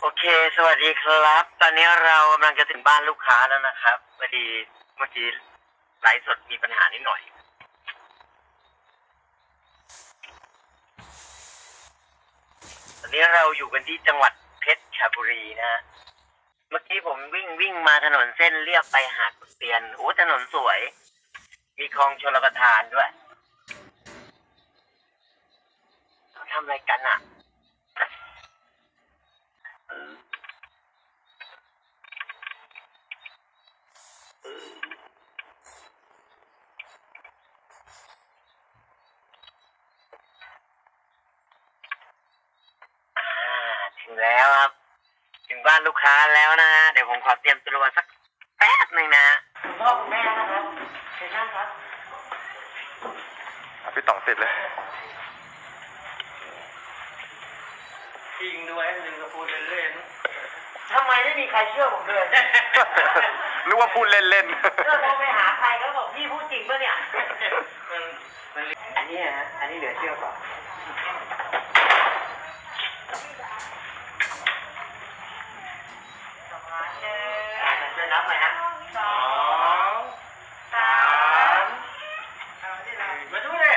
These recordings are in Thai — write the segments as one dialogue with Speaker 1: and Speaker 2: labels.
Speaker 1: โอเค สวัสดีครับ ตอนนี้เรากำลังจะถึงบ้านลูกค้าแล้วนะครับพอดีเมื่อกี้ไลฟ์สดมีปัญหานิดหน่อย ตอนนี้เราอยู่กันที่จังหวัดเพชรบุรีนะฮะเมื่อกี้ผมวิ่งมาถนนเส้นเรียบไปหาดขุนเตียนโอ้ถนนสวย มีคลองชลประทานด้วยเขาทำอะไรกันอ่ะถึงแล้วครับถึงบ้านลูกค้าแล้วนะฮะเดี๋ยวผมขอเตรียมตัวสักแป๊บหนึ่งนะคุณพ่อคุณแม่นะครับเชิญนั่งครับ
Speaker 2: พี่ต่องเสร็จเลย
Speaker 3: จริงด้วยหนึ่งก็พูดเล่น
Speaker 1: ทำไมไม่มีใครเชื่อผมเลย
Speaker 2: นึกว่าพูดเล่น
Speaker 1: ๆเราไปหาใครก็บอกพี่พูดจริงป่ะเนี่ยอันนี้ฮะอันนี้เหลือเชื่อกว่าจะนับไหมฮะ2 3
Speaker 3: มาดูเลย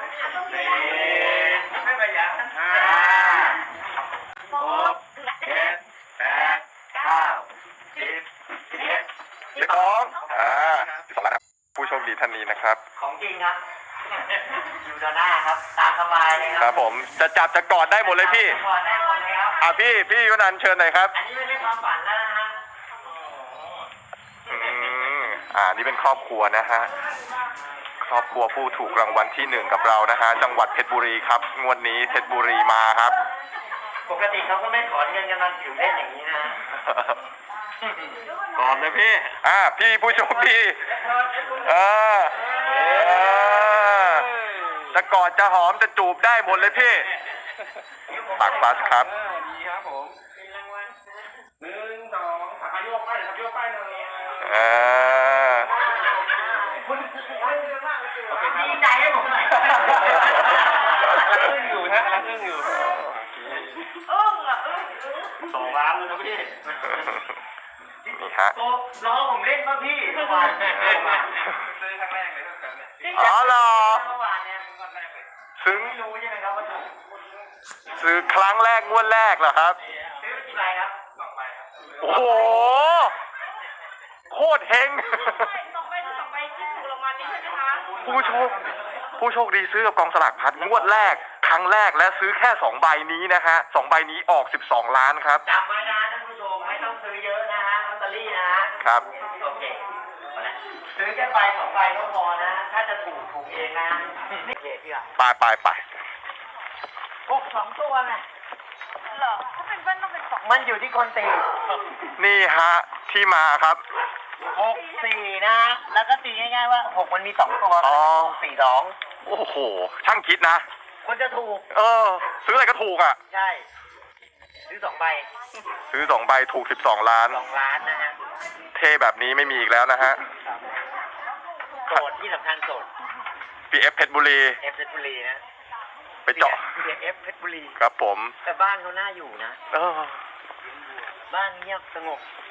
Speaker 3: ไม่ประหยัด5 6 7 8 9 10 11
Speaker 2: 12ล้านผู้โชคดีท่านนี้นะครับ
Speaker 1: ของจริงครับอยู่ด้านหน้าครับตามสบายเลย
Speaker 2: ครับผมจะจับจะกอดได้หมดเลยพี่
Speaker 1: กอดได้หมดเลยครับ
Speaker 2: พี่ยุนันท์เชิญหน่อยครับ
Speaker 1: อันนี้ไม่ใช่ความฝันแล้วนะฮะ
Speaker 2: นี่เป็นครอบครัวนะฮะครอบครัวผู้ถูกรางวัลที่1กับเรานะฮะจังหวัดเพชรบุรีครับงวดนี้เพชรบุรีมาครับ
Speaker 1: ปกติเขาก็ไม่ถอนเงินกันมาถือเล่นอย่างนี้นะ
Speaker 2: กอดเลยพี่พี่ผู้โชคดีจะกอดจะหอมจะจูบได้หมดเลยพี่ปากฟัสครับ
Speaker 3: ดีครับผมมีรางวัล1 2 3โยกไปครับโยกไปเลย
Speaker 1: คุณดีใจให้ผมหน่อย
Speaker 3: อึ้งอยู่ฮะอึ้งอยู่2 ล้านเลยนะพี่
Speaker 2: นี่ฮะ
Speaker 1: รอผมเล่นป่ะพี่เมื่อวาน
Speaker 3: ซื้อครั้งแรกเลยครับ
Speaker 2: เหรอ
Speaker 1: เมื่อวานเนี่ย
Speaker 2: ซึ้ง
Speaker 1: ไม่รู้ใช่ไหมครับว่าถูก
Speaker 2: ซื้อครั้งแรกงวดแรกเหรอครับ
Speaker 1: ซื้อกี่ใบครับ
Speaker 3: 2 ใบครับ
Speaker 2: โอ้โหโคตรเฮง
Speaker 4: 2 ใบที่ถูกรางวัลนี้ใช่ไหมคะ
Speaker 2: ผู้โชคดีซื้อกับกองสลากพัดงวดแรกครั้งแรกและซื้อแค่2 ใบนี้นะฮะ2 ใบนี้ออก12 ล้านครับ
Speaker 1: จำไว้นะท่านผู้ชมไม่ต้องซื้อเยอะนะฮะลอตเตอรี่นะฮะ
Speaker 2: ครับ
Speaker 1: โอเคซื้อแค่ใบ2 ใบก็พอนะถ้าจะถูกเองนะนี่เพี่
Speaker 2: ไป
Speaker 1: 2 ตัวไง
Speaker 4: เหรอถ้าเป็นเบิ้ลต้องเป็น2
Speaker 1: มันอยู่ที่คนตี
Speaker 2: นี่ฮะที่มาครับ
Speaker 1: 6 4นะแล้วก็ตีง่ายๆว่า6มันมี2 ตัว4 2
Speaker 2: โอ้โหช่างคิดนะ
Speaker 1: คนจะถูก
Speaker 2: ซื้ออะไรก็ถูก
Speaker 1: ใช่ซื้อ2 ใบ
Speaker 2: ซื้อ2 ใบถูก12 ล้าน
Speaker 1: 2 ล้านนะฮะ
Speaker 2: เท่แบบนี้ไม่มีอีกแล้วนะฮะ
Speaker 1: โสดที่สำคัญโสด
Speaker 2: PF เพชรบุรี
Speaker 1: เพชรบุรีนะ
Speaker 2: ไปเจาะ
Speaker 1: PF เพชรบุรี
Speaker 2: ครับผม
Speaker 1: แต่บ้านเขาน่าอยู่นะบ้านเงียบสงบ